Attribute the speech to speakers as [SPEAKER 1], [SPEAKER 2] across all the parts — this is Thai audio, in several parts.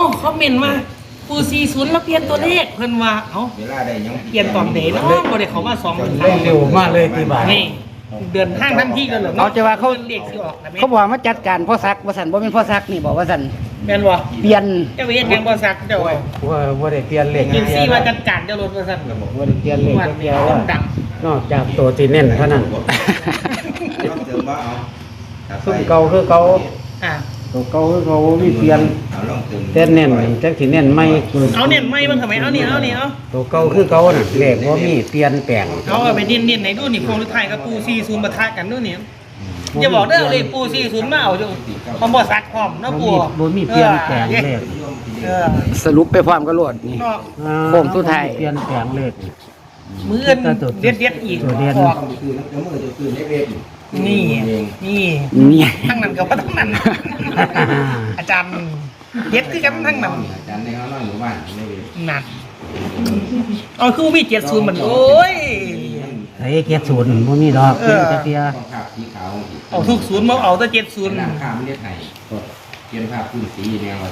[SPEAKER 1] คอมเมนต์มาปู40แล้วเปลี่ยนตัวเลขเพิ่นว่าเอ้า
[SPEAKER 2] เวลาได้ยัง
[SPEAKER 1] เปลี่ยนตอนไหนเนาะบ่ได้เขามา2
[SPEAKER 3] เร่งเร็วมากเลยตีบ่าย
[SPEAKER 1] นี่เดินห้างทันทีกันเหรอ
[SPEAKER 4] เอาจะว่าเขา
[SPEAKER 1] เรียกสิออกนะแม่
[SPEAKER 4] เขาบอกมาจัดการพ่อซักว่าสันบ่เป็นพ่อซักนี่บอกว่าสัน
[SPEAKER 1] แม่นบ่
[SPEAKER 4] เปลี่ยน
[SPEAKER 1] เจ้าเฮ็ดหยังบ่ซักเจ้าว่า
[SPEAKER 3] ว่าได้เปลี่ยนเลข
[SPEAKER 1] ยินซี่ว่าจัดการเจ้ารถว่าซั่น
[SPEAKER 3] ว่าได้เปลี่ยนเลข
[SPEAKER 1] วัน
[SPEAKER 3] เป
[SPEAKER 1] นี้
[SPEAKER 3] ลี่ยน
[SPEAKER 1] ค
[SPEAKER 3] ว่าน
[SPEAKER 1] ดัง
[SPEAKER 3] นอกจากตัวที่เน้นเท่านั้น
[SPEAKER 2] ต้องเติมว่าเอา
[SPEAKER 3] ซุ่มเก่าคือเก่า
[SPEAKER 1] อ่ะ
[SPEAKER 3] ตัวเก่าคือเก่ามีเปลี่ยน
[SPEAKER 2] เอาลองเติม
[SPEAKER 3] แต่เน้นจักที่เน้นไม่
[SPEAKER 1] เอาเน้นไม่เบิ่งทำไมเอานี่เอานี่เอา
[SPEAKER 3] ตัวเก่าคือเก่าน่ะเลขบ่มีเปลี่ยนแปลง
[SPEAKER 1] เอาไปเน้นๆไหนดูนี่โครงสุดท้ายกับปู40ปะทะกันดูนี่อย่าบอกเด้อเลยปู40มาเอาจังพร้อมบ่ซักพร้อมเนาะปู
[SPEAKER 3] บ่มีเปลี่ยนแปลงเลข
[SPEAKER 1] เออ
[SPEAKER 4] สรุปไปพร้อมก็โลดนี่
[SPEAKER 1] เนาะ
[SPEAKER 4] โค้งสุดท้าย
[SPEAKER 3] เปลี่ยนแปลงเลข
[SPEAKER 1] มื้ออื่นเด็ดๆอีก
[SPEAKER 3] ตัวเด่น
[SPEAKER 1] ออก
[SPEAKER 2] ต้องคือน้ำมือจะคือเล็ก
[SPEAKER 1] นี่นี่
[SPEAKER 4] นี่
[SPEAKER 1] ทั้งนั้นก็ว่าทั้งนั้น อาจารย์เด็ดคือกันทั้งนั้น
[SPEAKER 2] อาจารย์ในเขาน้อยหมู่บ้านไม่เว
[SPEAKER 1] นั่นเอาคือมี70เหมือนโอ้ย
[SPEAKER 3] ไอ้เกียรติศูนย์บ่มีดอกเปลี่ยนจักเทีย
[SPEAKER 2] ต้องภาพสีขาว
[SPEAKER 1] เอาทุกศูนย์มาเอาแต่70
[SPEAKER 2] หลังคาไม่ได้ไทยเปลี่ยนภาพพื้นสีแนว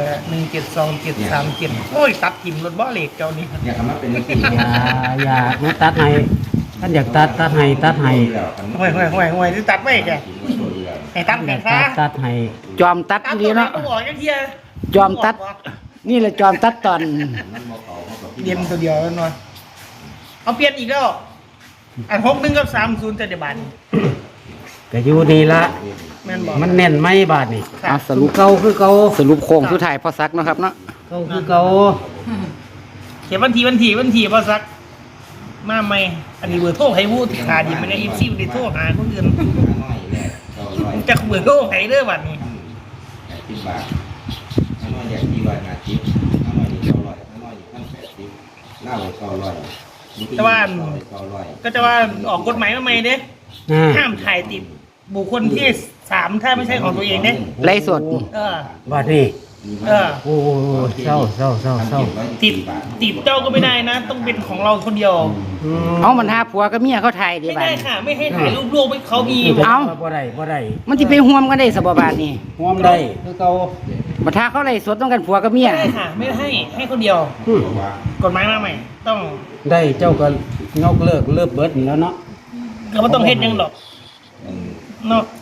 [SPEAKER 1] 172737โอ้ยตัดทิมรถบ่เหล็กเจ้านี่
[SPEAKER 2] อยากทำมาเป็นสี
[SPEAKER 3] อย่าแม่ตัดให้ท่านอยากตัดให้
[SPEAKER 1] ห่วยที่ตัดไว้แกให้ตัด
[SPEAKER 3] อ
[SPEAKER 1] แม่
[SPEAKER 3] ยาก
[SPEAKER 1] ซะ
[SPEAKER 3] ตัดให้
[SPEAKER 4] จอมตัด
[SPEAKER 1] ตัด
[SPEAKER 4] ดี
[SPEAKER 1] ตัวไหน
[SPEAKER 4] เนาะ
[SPEAKER 1] ก็บอกจังเที่ย
[SPEAKER 4] จอมตัด นี่แหละจอมตัดตอน
[SPEAKER 1] เย็นตัวเดียวแล้วเนาะเอาเปลี่ยนอีกแล้วอัน61กับ30จะได้บาท
[SPEAKER 3] ก็อยู่ดีละ
[SPEAKER 1] แม่นบ่
[SPEAKER 3] มันแน่นไหมบาทนี่
[SPEAKER 4] เอาสรุป
[SPEAKER 3] เก่าคือเก่า
[SPEAKER 4] สรุปโค้งสุดท้ายพ่อซักเนาะครับเนาะ
[SPEAKER 3] เก่าคือเก่า
[SPEAKER 1] เขียนวันที่บ่ซักมาใหม่อันนี้เบอร์โทรให้วู้ที่ขาดีมันได้24ได้โทรหาคนอื่นจักเบอร์โทรให้เด้อบัดนี้
[SPEAKER 2] 10 บาทน้อยอย่างที่ว่านาทิพย์น้อยนี่900น้อยนี่180เล่า900
[SPEAKER 1] แต่ว่าก็จะว่าออกกฎหมายมาใหม่เด้ ห้ามถ่ายติดบุคคลที่3ถ้าไม่ใช่ของตัวเองเนี่ย
[SPEAKER 4] ไล่สด
[SPEAKER 1] เออบ
[SPEAKER 3] าทนี่
[SPEAKER 1] เออ
[SPEAKER 3] โอ้เศร้า
[SPEAKER 1] ติดเจ้าก็ไม่ได้นะ ต้องเป็นของเราคนเดียว
[SPEAKER 4] เอามันหาผัวกับเมียเขาถ่ายดี
[SPEAKER 1] ไม่
[SPEAKER 4] บาด
[SPEAKER 1] ได้
[SPEAKER 4] นี้
[SPEAKER 1] ค่ะ ไม่ให้ถ่ายรูปลูกให้เขามี
[SPEAKER 4] เอ้า
[SPEAKER 3] บ่ได้
[SPEAKER 4] มันสิไปห่วมกันได้สบายนี่
[SPEAKER 3] ห่วมได้คือเก่า
[SPEAKER 4] บัดถ้าเขาไล่สดต้องกันผัวกับเมี
[SPEAKER 1] ไม่
[SPEAKER 4] ย
[SPEAKER 1] ได้ค่ะ ไม่ให้คนเดียว กฎหมายมาใหม่ ต้อง
[SPEAKER 3] ได้เจ้าก็ยกเลิกเลิกเบิดนี่แล้วเนาะ
[SPEAKER 1] ก็ไม่ต้องเฮ็ดหยังหรอกเนาะ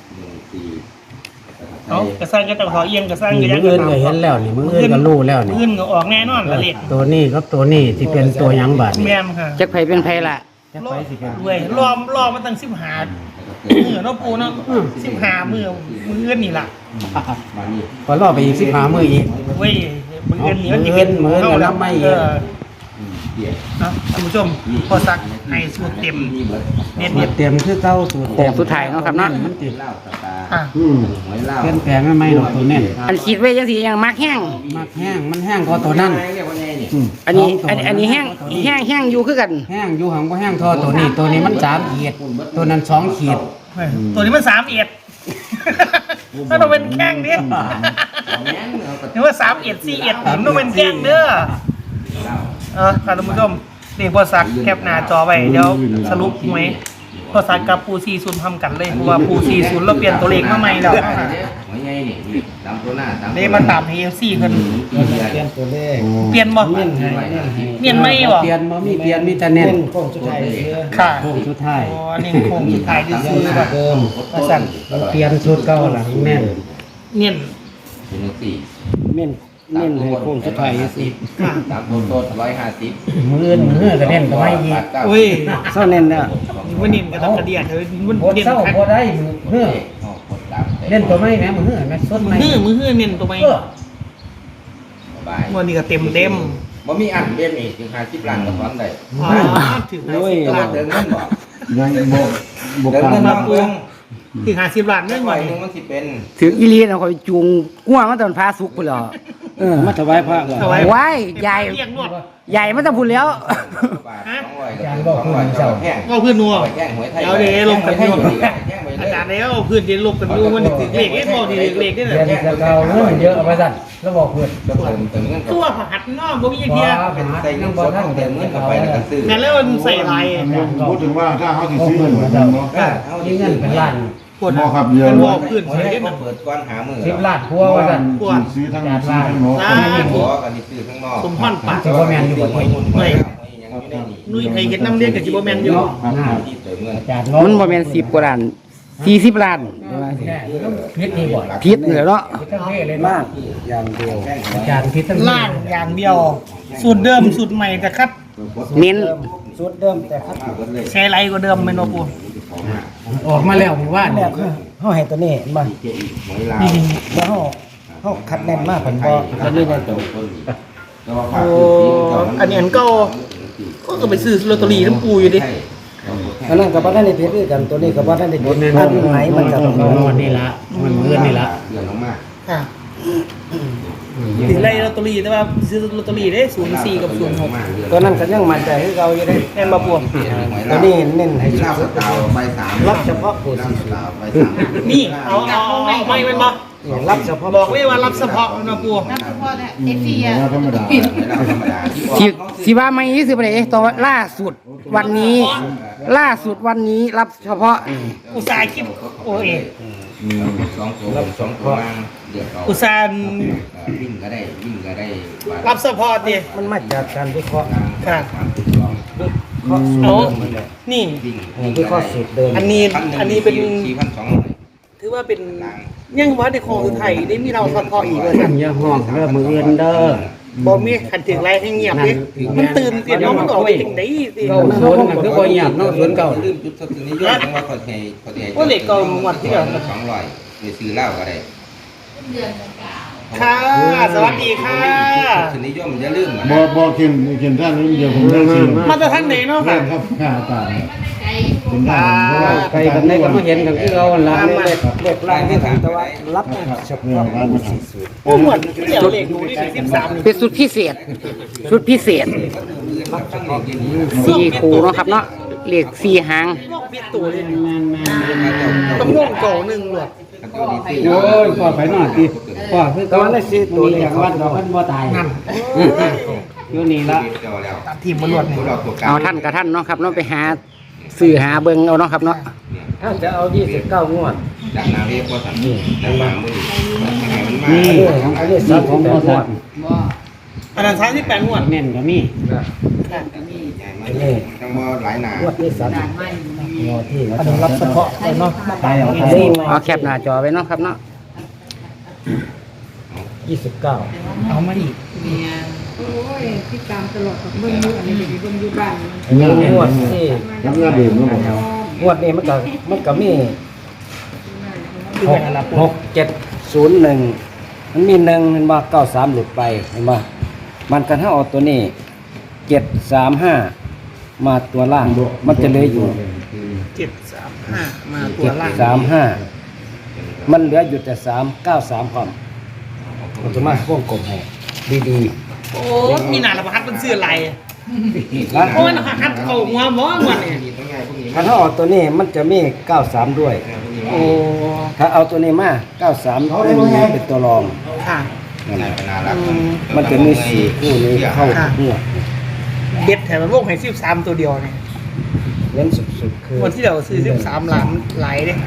[SPEAKER 1] เอากระสร้างก็ต้องขอเอียงกระสร้างก็
[SPEAKER 3] มื
[SPEAKER 1] ยั
[SPEAKER 3] อง อื่นก็เห็นแล้วนี่มืออื่นก็รู้แล้วนี่
[SPEAKER 1] เงินก็ออกแน่นอนละเล็ก
[SPEAKER 3] ตัวนี้ครับตัวนี้ที่เป็นตัวหยังบาทนี่
[SPEAKER 1] แม่มค่ะ
[SPEAKER 4] จักไผเป็นไผล่ะ
[SPEAKER 3] จะไปสิเป็น
[SPEAKER 1] ด้วยรอมาตั้ง15มื้อเนาะปูเนาะ15มื้อเงินนี่ล่ะ
[SPEAKER 3] พอรอไปอีก15มื้ออีก
[SPEAKER 1] เว้ยมือเงินนี่มันจะเป็น
[SPEAKER 3] มื้อเงินก็รับไม่อีก
[SPEAKER 1] นะท่านผู้ชมพอสักให้สูตรเต็มเน็ต
[SPEAKER 3] เตรียมคือเก่าสูตร
[SPEAKER 4] โค้งสุดท้ายเนาะครับเนาะ
[SPEAKER 3] มันติด
[SPEAKER 2] เล่าตาตา
[SPEAKER 1] อ่ะ
[SPEAKER 2] หวยเล่า
[SPEAKER 3] เปลี่ยนแปลงไม่ดอกตัวแน่น
[SPEAKER 4] อันคิดไว้จังสิยังมักแห้ง
[SPEAKER 3] มักแห้งมันแห้งกว่าตัวนั้น
[SPEAKER 2] เรียกว่าไงนี่
[SPEAKER 4] อันนี้แห้งอยู่คือกัน
[SPEAKER 3] แห้งอยู่หังบ่แห้งทอตัวนี้มัน3ขีดตัวนั้น2ขีด
[SPEAKER 1] เฮ้ยตัวนี้มัน3เอ็ดถ้าเราเป็นแข้งเด้หรือว่า3เอ็ด4เอ็ดผมต้องเป็นแข้งเด้อค่ะท่านผู้ชมนี่พอสักแคปหน้าจอไว้เดี๋ยวสรุปหวยพอสักกับปู40ทำกันเลยเพราะว่าปู40เราเปลี่ยนตัวเลขมาใหม่แล้ว
[SPEAKER 2] หวยไงนี่ตามตัวหน้าตาม
[SPEAKER 1] นี่มาตาม AFC เพิ่น
[SPEAKER 3] เปลี่ยนตัวเลข
[SPEAKER 1] เปลี่ยนบ่
[SPEAKER 3] เน้นให้
[SPEAKER 1] เปลี่ยนไม่บ่
[SPEAKER 3] เปลี่ยนบ่มีเปลี่ยนมีแต่เน้น
[SPEAKER 2] โค้งสุดท้าย
[SPEAKER 1] ค่ะ
[SPEAKER 3] โค้งสุดท้าย
[SPEAKER 1] อ๋อนี่โครงสุดท้ายที่ซื้อแบบ
[SPEAKER 3] เดิม
[SPEAKER 1] มาสั่น
[SPEAKER 3] เปลี่ยนชุดเก่าหลังแน่น
[SPEAKER 1] เน้น
[SPEAKER 2] เป็นสี่
[SPEAKER 3] เน้นให้โค้งสุดท้ายสิ
[SPEAKER 1] ค่ะ
[SPEAKER 2] ตามตัวโต150
[SPEAKER 3] มือก็เน้นก็ไม่อีก
[SPEAKER 1] อุ้ย
[SPEAKER 4] เศร้าเน้นเด้อ
[SPEAKER 1] มันเน้นกับตะกระเดียดเธอมัน
[SPEAKER 3] บ่
[SPEAKER 1] เน้น
[SPEAKER 3] เศร้า
[SPEAKER 1] คัก
[SPEAKER 3] บ่ได้มือเล่นตัวไม่แม่มือแม่สดไม่
[SPEAKER 1] มือเน้นตัวไหม
[SPEAKER 2] บาย
[SPEAKER 1] วันนี้ก็เต็ม
[SPEAKER 2] บ่มีอันเด่นนี่ถึง50ล้านก็ถอนได้
[SPEAKER 1] อ๋อถึง
[SPEAKER 2] โอ้ย
[SPEAKER 1] 50ล้าน
[SPEAKER 2] เดินเงินบ่
[SPEAKER 3] ยังบ่
[SPEAKER 2] เดินเงินมาปรุง
[SPEAKER 1] ถึง50ล้านเรื่อง
[SPEAKER 2] ห
[SPEAKER 1] ให
[SPEAKER 2] น่
[SPEAKER 1] ม่
[SPEAKER 2] อยนึงมันสิเป็น
[SPEAKER 4] ถึงอีลีน่ะข่อยจูงงัวมาตอนพาสุกพุ่นแล้ว
[SPEAKER 3] มาถวายพระก่อน
[SPEAKER 1] ถวาย
[SPEAKER 4] ว้ายใหญ่
[SPEAKER 1] เรียกนวด
[SPEAKER 4] ใหญ่มาตั้งพุ่นแล้ว
[SPEAKER 2] แห้ง
[SPEAKER 1] ก็เพื่อนนัว
[SPEAKER 2] แห้งหวยไทย
[SPEAKER 1] เดี๋ยวเดี๋ยวลงกัน
[SPEAKER 2] แห้
[SPEAKER 1] ดู
[SPEAKER 2] งอยู่แห้งไปเล
[SPEAKER 1] อาย จารย์แล้วเพื่อนเดี๋ยวลงกันดูมันถึงเลขบ่ดีเลขได้
[SPEAKER 3] เรียน
[SPEAKER 1] เลย
[SPEAKER 3] จะเก่าเงินเยอะเอาไปสั่นแล้วบอกเพื่อน
[SPEAKER 2] เติมเงิน
[SPEAKER 1] ตัวหัดนอกบ่มีเทีย
[SPEAKER 2] เป็นใส่เงินสดเติมเงินเข้าไปแล้วก็ซื้อ
[SPEAKER 1] งั้นแล้วมันใส่ลาย
[SPEAKER 5] พูดถึงว่าถ้าเขาสิซื้อเหมือนกันเนาะ
[SPEAKER 3] เอาที่เงินเป็นล้าน
[SPEAKER 1] ปวด
[SPEAKER 5] บ่ครับเยอะ
[SPEAKER 1] มันบอกขึ้น
[SPEAKER 2] หัว
[SPEAKER 1] ใส่
[SPEAKER 2] เล็
[SPEAKER 1] เล่
[SPEAKER 2] ก
[SPEAKER 1] น
[SPEAKER 2] มา
[SPEAKER 1] น่ะ
[SPEAKER 2] เปิดก้อนหามือ
[SPEAKER 3] 10ล้านครัวว่าซั่น
[SPEAKER 5] ซื้อทั้งซื้อทั้งโน้ต
[SPEAKER 2] หัวกันนี่ซื้อข้างนอก
[SPEAKER 1] สมพรปาก
[SPEAKER 3] จะบ่แม่นอยู่บ่
[SPEAKER 2] ไม่ยังไม่ได้
[SPEAKER 1] นุ่ยไทยเห็นน้ำเลี้ยงกับจิโบแมนอยู่
[SPEAKER 2] ที่เติมเงิน
[SPEAKER 3] อาจารย์
[SPEAKER 4] มันบ่แม่น10กว่าล้าน40ล้าน
[SPEAKER 3] พิษนี่บ่
[SPEAKER 4] ผิดเลยเนาะ
[SPEAKER 3] ทั้งเพศเลย
[SPEAKER 4] มา
[SPEAKER 3] นะ
[SPEAKER 4] กอย่างเดียว
[SPEAKER 3] อาจารย์พิษทั้ง
[SPEAKER 1] ล่างอย่างเดียว สูตรเดิมสูตรใหม่แต่คัด
[SPEAKER 4] เน้น
[SPEAKER 6] สูตรเดิมแต่ครับ
[SPEAKER 1] ใช้ไรกว่าเดิมไม่นปู
[SPEAKER 3] ออกมาแล้วหมู่บ้าน
[SPEAKER 6] แรกเฮาให้ตัวนี้บ่
[SPEAKER 2] หวยลาว
[SPEAKER 6] แล้วเฮาคัดแน่นมากเพิ่นบ่แล้วนี่ได้ตัว
[SPEAKER 1] โอ้อันนี้อันเก็ไปซื้อลอตเตอรี่น้ำปูอยู่ดิ
[SPEAKER 6] อันนั้นก็บ่ได้ผิดคือกันตัวนี้ก็บ่ได้ผิดอันไหนมันก็ต้อง
[SPEAKER 3] มันนี่ละมันเงินนี่ละ
[SPEAKER 2] เดือนลงมา
[SPEAKER 1] ค่ะถึงไรลอตเตอรี่แต่ว่าซื้อลอตเตอรี่ได้04กับ06
[SPEAKER 6] ตัวนั้นก็ยังมั่นใจคือเก่าอยู่เด้
[SPEAKER 1] แม่นมาปู
[SPEAKER 6] ตัวนี้เน้นให้
[SPEAKER 2] ให้ลาบสตาวใบสาม
[SPEAKER 6] รับเฉพาะผู้
[SPEAKER 2] ลาบ
[SPEAKER 6] สิ
[SPEAKER 2] สตาวใบสาม
[SPEAKER 1] นี่เอาไม่เป็นบ่
[SPEAKER 6] รับเฉพาะ
[SPEAKER 1] บอกเลยว่ารับเฉพาะนะปู
[SPEAKER 5] ธรรมดา
[SPEAKER 2] ธรรมดา
[SPEAKER 4] สิว่าไม่ซื้อไปเลยตัวล่าสุดวันนี้รับเฉพาะนี่
[SPEAKER 1] อุตสาหคิดโอ้ย
[SPEAKER 2] สองตัวล่างเดือด
[SPEAKER 1] อุตสาห
[SPEAKER 2] วิ่งก็ได้
[SPEAKER 1] รับเฉพาะดิ
[SPEAKER 6] มันมาจากการวิเคราะห์
[SPEAKER 1] ค่ะ
[SPEAKER 6] ข้อสูตร
[SPEAKER 1] เอา
[SPEAKER 6] เดิมมันแหละ
[SPEAKER 1] นี่
[SPEAKER 6] วิเคราะห์สูตรเดิม
[SPEAKER 1] อันนี้เป็น
[SPEAKER 2] 4,200
[SPEAKER 1] ถือว่าเป็นยังวัดในของคือไทยได้มีเราเฉพาะอีกเลยท่าน
[SPEAKER 3] อย่าห้องเด้อมื้ออื่นเด้อ
[SPEAKER 1] บ่มีขันถึงไรให้เงียบดิมันตื่นเสียงมันออกไปถึงได้สิ
[SPEAKER 3] เก้าศูนย์มันคือบ่เงียบเนาะศูนย์เก้า
[SPEAKER 2] ลืมจุดสตินิยมว่าเขาให้
[SPEAKER 1] ว่าเหล็กเก่าหมดที่เดียว
[SPEAKER 2] 200ไปซื้อเหล้าก็ได้
[SPEAKER 1] ค่ะ สวัสดีค่ะ
[SPEAKER 2] สนิยมอย่าลืม
[SPEAKER 5] บ่เข็นท่านนี้เดียวผมได้ซื้อ
[SPEAKER 1] มาจากทางไหนเนาะ
[SPEAKER 5] ครั
[SPEAKER 1] ค่ะ
[SPEAKER 5] บค่าตาเป็นได้เพราะว่า
[SPEAKER 3] ไปกันได้ก็มาเห็นกันคือเอาหั่นล่ะ
[SPEAKER 6] เลขล่างนี่แต่ว่ารับเฉพาะผู้สิสูตร
[SPEAKER 1] โอ้เหมือนเดี๋ยวเหล็กดูดิ13
[SPEAKER 4] เป็นสุดพิเศษ4คู่เนาะครับเนาะเลข4หาง
[SPEAKER 1] ปิดตัวเลยต้องง่วงเก่าหนึ่งหรอก
[SPEAKER 3] โอ้ยพ่อไปนอนติพ่อคือ
[SPEAKER 6] แต่ว่าใน4ตัวนี้
[SPEAKER 3] อย่างวัดเราเพิ่นบ่ตาย
[SPEAKER 1] นั่น
[SPEAKER 3] อยู่นี่ละ
[SPEAKER 1] ตัดทีมมันหลวดนี่
[SPEAKER 4] เอาท่านกับท่านเนาะครับเนาะไปหาซื้อหาเบิ่งเอาเนาะครับเนาะ
[SPEAKER 6] ถ้าจะเอา29งวด
[SPEAKER 2] จากนาเรียกว่าสันนี่ดังบางมือมันมา
[SPEAKER 6] อันนี้
[SPEAKER 3] นี่ของพ่อสัตว์
[SPEAKER 1] อันนั้น38งวด
[SPEAKER 3] แม่นก็มี
[SPEAKER 2] จังบ่หลายหนาง
[SPEAKER 6] วดที่3งวดที่
[SPEAKER 1] อันนั้นรับเฉพาะเลยเนาะ
[SPEAKER 3] ไปเอาไป
[SPEAKER 6] นี่
[SPEAKER 4] เอาแคปหน้าจอไว้เนาะครับเนาะ
[SPEAKER 6] 29
[SPEAKER 1] เอามาอีก
[SPEAKER 7] โอ้ยที่ตามตลอดกับเบิ้งอยู่อันนี้เป็นเบิ้งอยู่บ้าน
[SPEAKER 6] งวดที่
[SPEAKER 5] รับงานดื่มแล้วบ่
[SPEAKER 6] งวดนี้มันก็มี
[SPEAKER 1] คือแม่นรับ
[SPEAKER 6] 6701มันมี1เห็นบ่93หลุดไปเห็นบ่มันกันถ้าเอาตัวนี้735มาตัวล่างมันจะเหลืออยู่
[SPEAKER 1] 735มาตัวล่าง
[SPEAKER 6] 735มันเหลืออยู่แต่393พร้อมมันจะมาวงกลมให้ดี
[SPEAKER 1] โอ้มีหนาละพัดมันเสื้อลาย
[SPEAKER 6] ๆนะ
[SPEAKER 1] โอ้ยนะฮัดเขาหัวหมอวันเนี่ย
[SPEAKER 6] ถ้าเอาตัวนี้มันจะมี93ด้วย
[SPEAKER 1] โอ้
[SPEAKER 6] ถ้าเอาตัวนี้มา93เป็นตัวรอง
[SPEAKER 1] ค่ะ
[SPEAKER 6] นั่นแหละ
[SPEAKER 2] น่ารัก
[SPEAKER 6] มันจะมี4คู่นี้เข้าทุกงวด
[SPEAKER 1] เด็ดแถมมันวงให้13ตัวเดียวเนี่ย
[SPEAKER 6] เน้นสุดๆคือ
[SPEAKER 1] วันที่เราซื้อ13ล้านไหลเด้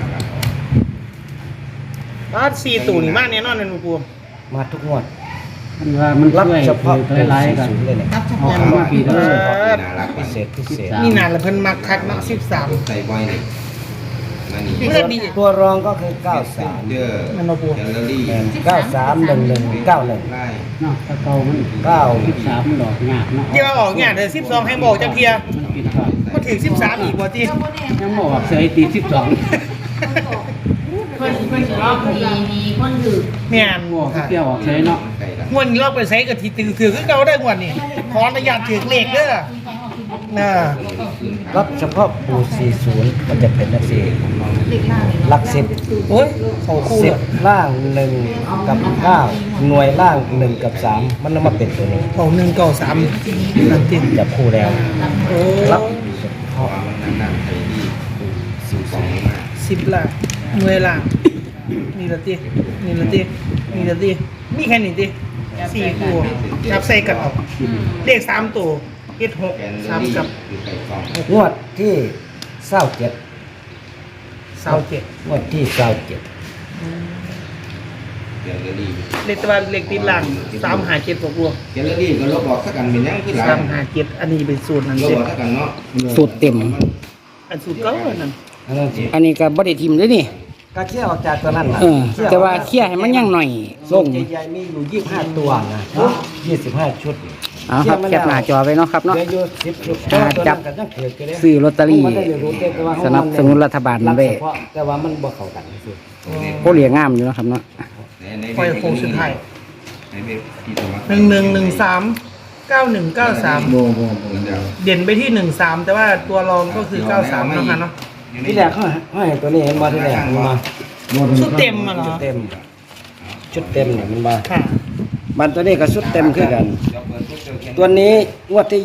[SPEAKER 1] บ้าน4ตัวนี่มากแน่นอนเลยหนูปู
[SPEAKER 6] มาทุกงวด
[SPEAKER 3] มันว่ามัน
[SPEAKER 6] รับ
[SPEAKER 3] ช่วย
[SPEAKER 6] เฉพาะ
[SPEAKER 3] คือหลายๆกัน
[SPEAKER 6] 40เลยเนี่ย
[SPEAKER 3] เอาของปีเด้อ
[SPEAKER 2] น่ารัก
[SPEAKER 6] พิเศษ
[SPEAKER 1] นี่นานละเพิ่นมักคักเนาะ
[SPEAKER 2] ใส่บ่อยนี่นั่นนี่
[SPEAKER 1] 13เมื่อดี
[SPEAKER 6] ตัวรองก็คือ
[SPEAKER 2] เด้อ
[SPEAKER 1] มันมาปู
[SPEAKER 2] แกลเลอรี่
[SPEAKER 6] 93 11 91
[SPEAKER 2] ไล่
[SPEAKER 3] เนาะถ้าเก่ามัน
[SPEAKER 6] 9
[SPEAKER 3] มันดอกยากเนาะ
[SPEAKER 1] เดี๋ยวออกเนี่ยเดี๋ยว12ให้บอกจังเทีย
[SPEAKER 3] มันปิดก่อน
[SPEAKER 1] มาถึง13อีกบ่ติ
[SPEAKER 3] ยังบ่ออกเสยตี12
[SPEAKER 7] เพิ่นรอบมีคนถือ
[SPEAKER 1] แม่น
[SPEAKER 3] บ่ออกเที่ยวออกเสยเนาะ
[SPEAKER 2] ใส่ละ
[SPEAKER 1] งวดนี้เราไปใช้กับที่ถือคือเก่าได้งวดนี้ขออนุญาตถือเลขเด้อน่ะ
[SPEAKER 6] รับเฉพาะปู40มันจะเป็นนักสี่หลัก10
[SPEAKER 1] โอ้ยเขาคู่เลย
[SPEAKER 6] 10ล่าง1กับ9หน่วยล่าง1กับ3มันนำมาเป็นตัวนี้
[SPEAKER 1] เขา193นั่นติ
[SPEAKER 6] จับคู่แล้ว
[SPEAKER 1] โอ้
[SPEAKER 6] รับ
[SPEAKER 2] เพราะว่ามันนานๆใส่ดี12มา
[SPEAKER 1] 10ล้านหน่วยล่างนี่ละตินี่ละตินี่ละติมีแค่นี้ติ4คู่จับใส่กันออกเลข3ตัวเฮ็ด
[SPEAKER 2] แกน
[SPEAKER 1] 6
[SPEAKER 2] เลอรี่
[SPEAKER 1] 3กับ
[SPEAKER 2] คือไก่ฟอง
[SPEAKER 6] งวดที่27
[SPEAKER 1] 27
[SPEAKER 6] งวดที่27
[SPEAKER 2] เดี๋ยวจะดี
[SPEAKER 1] เลขตะวันเลขติดหลัง357บวก
[SPEAKER 2] เดี๋ยวจะดีก็ลบออกสักกันเป็นยังคือหลาย
[SPEAKER 1] 357อันนี้เป็นสูตรนั่น
[SPEAKER 2] ลบ
[SPEAKER 1] เด็
[SPEAKER 2] ออกสักกันเนาะ
[SPEAKER 4] สูตรเต็ม
[SPEAKER 1] อันสูตรเก่านั่น
[SPEAKER 6] อันนั้นสิ
[SPEAKER 4] อันนี้ก็บ่ได้ทิมเลยนี่
[SPEAKER 6] ก็เคี่ยวออกจากตัวนั้นล่ะ
[SPEAKER 4] แต่ว่าเคี่ยให้มันยังหน่อย
[SPEAKER 6] ส่งใหญ่ๆมีอยู่25ตัวนะ25ชุด
[SPEAKER 4] เอาครับแคปหน้าจอไว้เนาะครับเนาะ
[SPEAKER 6] เหลืออยู่10ชุด
[SPEAKER 4] จับ
[SPEAKER 6] ตัวนั้นก็ยังเกิดกันเลย
[SPEAKER 4] ซื้อลอตเตอรี่
[SPEAKER 6] มันได้รู้แต่ว่า
[SPEAKER 4] สนับสนุนรัฐบาล
[SPEAKER 6] รับ
[SPEAKER 4] ไว้
[SPEAKER 6] เฉพาะแต่ว่ามันบ่เข้ากันซื่อ
[SPEAKER 4] โคเหลียงามอยู่เนาะครับเนาะ
[SPEAKER 1] ปล่อยโค้งสุดท้าย
[SPEAKER 2] ในเว็บที่ตัวมา
[SPEAKER 1] 1113
[SPEAKER 5] โบ
[SPEAKER 1] 9193 เด่นไปที่ 13 แต่ว่าตัวรองก็คือ 93นะคะเนาะ
[SPEAKER 6] ที่แรกเขาให้ตัวนี้เห็นบ่ที่แรกมันมา
[SPEAKER 1] ชุดเต็มอะเหรอ
[SPEAKER 6] ชุดเต็มเนี่ยมันมา
[SPEAKER 1] ค่ะ
[SPEAKER 6] มันตัวนี้ก็ชุดเต็มคือกัน ตัวนี้งวดที่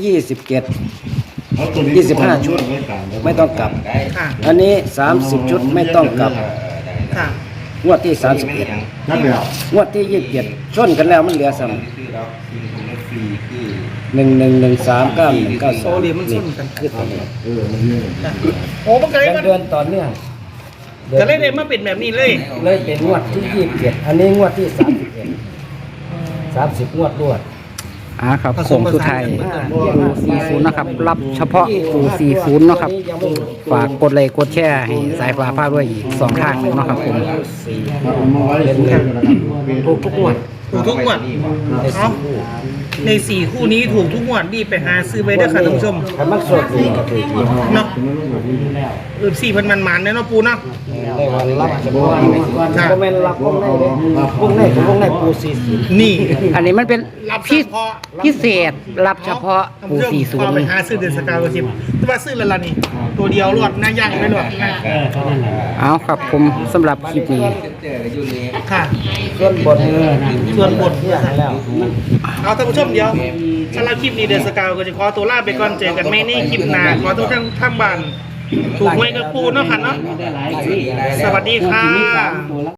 [SPEAKER 6] 25ชุดไม่ต้องกลับ
[SPEAKER 1] ค่ะ
[SPEAKER 6] อันนี้30ชุดไม่ต้องกลับ
[SPEAKER 1] ค่ะ
[SPEAKER 6] งวดที่31
[SPEAKER 5] นับแล้ว
[SPEAKER 6] งวดที่27ชนกันแล้วมันเหลือซ้ำ
[SPEAKER 2] คือเราคือคนละฟรีคือ
[SPEAKER 6] 11139192
[SPEAKER 1] โซเลียมันส้นกัน
[SPEAKER 6] คือตัวนี้
[SPEAKER 5] มันเยอะ
[SPEAKER 1] ค่ะโอ้มันก็เลย
[SPEAKER 6] เป็น
[SPEAKER 1] มัน
[SPEAKER 6] เดือนต่อเนื่อง
[SPEAKER 1] ก็เลยได้มาเป็นแบบนี้เลย
[SPEAKER 6] เลยเป็นงวดที่27อันนี้งวดที่31 30งวดรวด
[SPEAKER 4] ครับโค้งสุดท้ายปู40นะครับรับเฉพาะปู40เนาะครับฝากกดไลค์กดแชร์ให้สายฟ้าพาด้วยอีก2ทางหนึงเนาะครับผม
[SPEAKER 5] เอามาไว้เลย
[SPEAKER 6] ถูกทุกงวด
[SPEAKER 1] ถูกทุกงวด
[SPEAKER 6] ใน
[SPEAKER 1] เนาะ
[SPEAKER 6] 4คู่
[SPEAKER 1] ใน4คู่นี้ถูกทุกงวดรีบไปหาซื้อไว้เด้อค่ะท่านผู้ชม
[SPEAKER 6] คันมันสดดีก็ถือดี
[SPEAKER 1] เนาะ4,000มันๆเนี่ยเนาะปูเนาะ
[SPEAKER 6] ได้วันรับเฉพาะบ่แม่นรับวงในเด้วงในคือวงในปู40
[SPEAKER 1] นี่
[SPEAKER 4] อันนี้มันเป็น
[SPEAKER 1] รับเฉพาะ
[SPEAKER 4] พิเศษรับเฉพาะ
[SPEAKER 1] ท่าน
[SPEAKER 4] ปู
[SPEAKER 1] ผู้ชมพอไปหาซื้อเดือนสกาวชิมแต่ว่าซื้อแล้วล่ะนี่ ตัวเดียวรวดหน้าย่างไม่รวดนะ
[SPEAKER 4] 40เอาครับผมสำหรับคลิปนี้
[SPEAKER 2] เจออยู่นี่
[SPEAKER 1] ค่ะ
[SPEAKER 6] ส่วนบน
[SPEAKER 1] ส่วนบท
[SPEAKER 6] เนี่ยให้แล้ว
[SPEAKER 1] เอาท่านผู้ชมเดียวสำหรับคลิปนี้เดือนสกาวก็จะขอตัวลาไปก่อนเจอกันไม่ในคลิปหน้าขอทุกท่านทางบ้านถูกหวยกับปูเนาะค่ะเนาะสวัสดีค่ะ